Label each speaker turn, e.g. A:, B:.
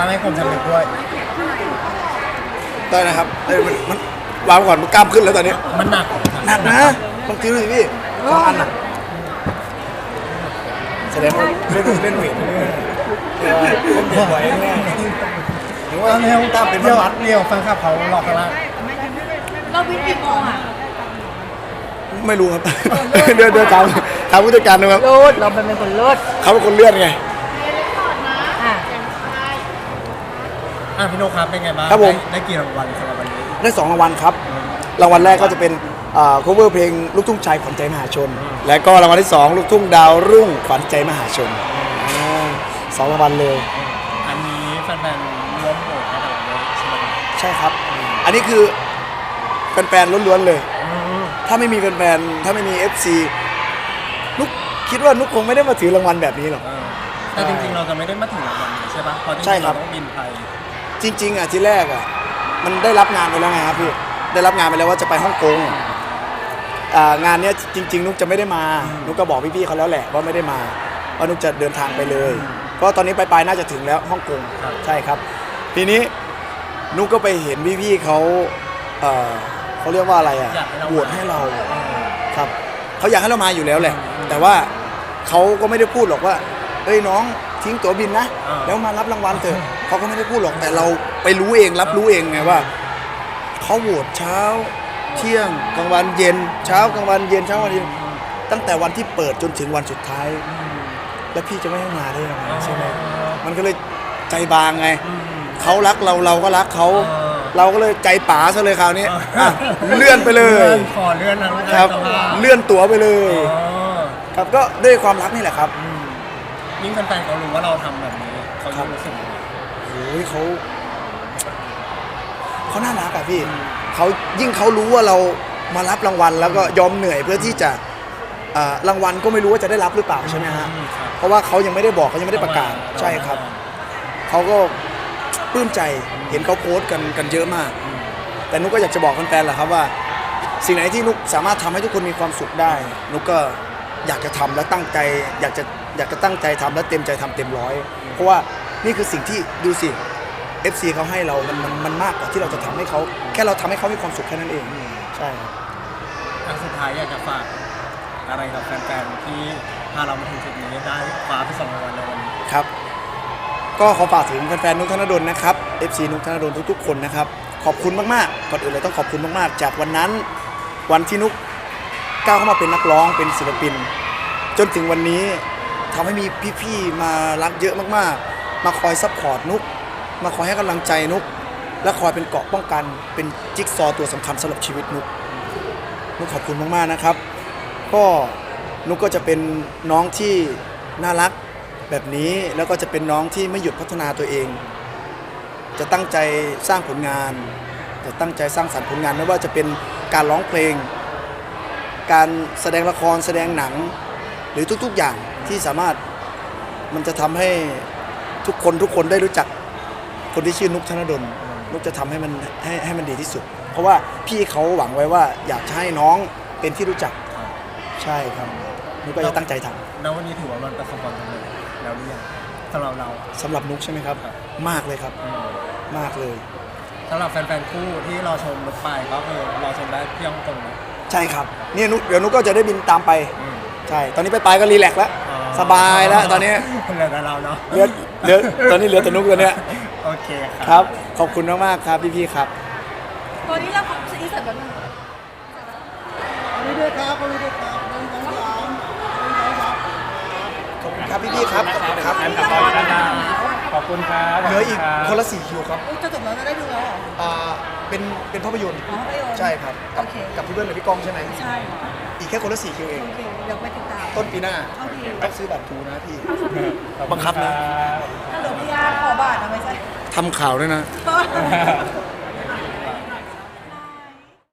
A: ตั้งให้ผมสำเร็จด้วย
B: ได้นะครับมันวางก่อนมันกล้ามขึ้นแล้วตอนนี้
A: มันหนัก
B: หนักนะบางทีดูสิพี่สองอันน่ะแสดงว่าเล่นเวทผมไหวแน่ถึงว่าเร็วตามเป็นวัด
A: เรียวฟังครับเขาหลอกกันละ
C: เราวิ่งกี่โมงอ่ะ
B: ไม่รู้ครับเดินถามผู้จัดการนะครับ
C: เลิศเราเป็นคนเลิศ
B: เขาเป็นคนเลื่อนไง
A: พี่โนครับเป็นไงบ้าง
B: ครับผม
A: ได้กี่รางวัลสำหรับวันนี้
B: ได้2 รางวัลครับรางวัลแรกก็จะเป็นcover เพลงลูกทุ่งชายขวัญใจมหาชน และก็รางวัลที่2ลูกทุ่งดาวรุ่งขวัญใจมหาชน2 รางวัลเลย
A: อันนี้แฟนๆร่วมโหวตให้เราด้วยใช่ไหม
B: ใช่ครับ อันนี้คือแฟนๆล้วนๆเลย ถ้าไม่มีแฟนๆถ้าไม่มี FC นุกคิดว่านุกคงไม่ได้มาถือรางวัลแบบนี้หรอก
A: แต่จริงๆเราจะไม่ได้มาถึงรางวัลนี้ใช่ปะเพราะจริ
B: ใช่
A: งๆ
B: ครั
A: เรา
B: บ
A: ต้องบินไป
B: จริงๆที่แรกมันได้รับงานไปแล้วไงครับพี่ได้รับงานไปแล้วว่าจะไปฮ่องกงงานเนี้ยจริงๆนุกจะไม่ได้มานุกก็บอกพี่ๆเขาแล้วแหละว่าไม่ได้มาเพราะนุกจะเดินทางไปเลยเพราะตอนนี้ปลายๆน่าจะถึงแล้วฮ่องกงใช่ครับทีนี้นุกก็ไปเห็นพี่ๆเขาเขาเรียกว่าอะไรโหวตให้เราครับเขาอยากให้เรามาอยู่แล้วแหละแต่ว่าเขาก็ไม่ได้พูดหรอกว่าเอ้ยน้องทิ้งตั๋วบินนะแล้วมารับรางวัลเถอะเขาก็ไม่ได้พูดหรอกแต่เราไปรู้เองรับรู้เองไงว่าเขาโหวตเช้าเที่ยงกลางวันเย็นเช้ากลางวันเย็นเช้ากลางวันเย็นตั้งแต่วันที่เปิดจนถึงวันสุดท้ายแล้วพี่จะไม่ให้มาได้ยังไงใช่ไหมมันก็เลยใจบางไงเขารักเราก็รักเขาเราก็เลยใจป๋าซะเลยคราวนี้เลื่อนไปเลย
A: ขอเลื่อนนะครับ
B: เลื่อนตั๋วไปเลยครับก็ด้วยความรักนี่แหละครับ
A: ยิ่งแฟนๆเขารู้ว่าเราทำแบบนี้เขายิ่งรู้สึกยังไง
B: โอ้ยเขาน่ารักอะพี่เขายิ่งเขารู้ว่าเรามารับรางวัลแล้วก็ยอมเหนื่อยเพื่อที่จะรางวัลก็ไม่รู้ว่าจะได้รับหรือเปล่าใช่ไหมฮะเพราะว่าเขายังไม่ได้บอกเขายังไม่ได้ประกาศใช่ครับเขาก็ปลื้มใจเห็นเขาโพสต์กันเยอะมากแต่นุกก็อยากจะบอกแฟนๆแหละครับว่าสิ่งไหนที่นุกสามารถทำให้ทุกคนมีความสุขได้นุกก็อยากจะทำและตั้งใจอยากจะตั้งใจทำและเต็มใจทำเต็มร้อยเพราะว่านี่คือสิ่งที่ดูสิ FC เขาให้เรามันมากกว่าที่เราจะทำให้เขาแค่เราทำให้เขามีความสุขแค่นั้นเองใช่ครับ
A: ทางสุดท้ายอยากจะฝากอะไรกับแฟนๆที่พาเรามาถึงจุดนี้ได้คว้าไป2 รางวัลในวันนี้
B: ครับก็ขอฝากถึงแฟนๆนุกธนดลนะครับ FC นุกธนดลทุกๆคนนะครับขอบคุณมากๆก่อนอื่นเลยต้องขอบคุณมากๆจากวันนั้นวันที่นุกก้าวเข้ามาเป็นนักร้องเป็นศิลปินจนถึงวันนี้ทำให้มีพี่ๆมารักเยอะมากๆมาคอยซัพพอร์ตนุกมาคอยให้กำลังใจนุกและคอยเป็นเกราะป้องกันเป็นจิ๊กซอว์ตัวสำคัญสำหรับชีวิตนุกขอบคุณมากๆนะครับก็นุกก็จะเป็นน้องที่น่ารักแบบนี้แล้วก็จะเป็นน้องที่ไม่หยุดพัฒนาตัวเองจะตั้งใจสร้างผลงานจะตั้งใจสร้างสรรค์ผลงานไม่ว่าจะเป็นการร้องเพลงการแสดงละครแสดงหนังหรือทุกๆอย่างที่สามารถมันจะทำให้ทุกคนได้รู้จักคนที่ชื่อนุกธนดลนุกจะทำให้มันให้มันดีที่สุดเพราะว่าพี่เขาหวังไว้ว่าอยากจะให้น้องเป็นที่รู้จักใช่ครับนุกก็จะตั้งใจทำ
A: แล้ววันนี้ถือว่ามันประสบความสำเร็จแล้วหรือยังสำหรับเรา
B: สำหรับนุกใช่ไหมครับมากเลยครับมากเลย
A: สำหรับแฟนๆคู่ที่รอชมนุกไปก็คือรอชมได้ที่ฮ่องกงนะ
B: ใช่ครับนี่นุกเดี๋ยวนุกก็จะได้บินตามไปใช่ตอนนี้ไปก็รีแลกซ์แล้วสบายแล้วตอนนี้
A: เหลือแต่เราเนาะ
B: เหลือตอนนี้เหลือแต่นุกตัวเนี้ย
A: โอเค
B: ครับขอบคุณมากๆครับพี่ๆครับ
C: ตอนนี้เราของซีเสร็จแล้วนะ
B: นี่ด้วยครับนี่ด้วยครับขอบคุณครับพี่ๆครับขอบคุณครับ
A: ขอบคุณครับ
B: เหลืออีกคนละ4 คิวครับ
C: จะจบแล้วได้ดูแล้วเหรอ
B: เป็นภาพยนตร์ใช่ครับกับพี่เบิ้ลกับพี่ก้องใช่ไหม
C: ใช่
B: อีกแค่คนละ4 คิวเอง
C: เดี๋ยวไปติดตาม
B: ต้นปีหน้าต้องซื้อบัตรทูนะพี่บังคับนะ
C: ถ้าเหลือพี่ยาขอบัตรนะไม่ใช่
B: ทำข่าวด้วยนะ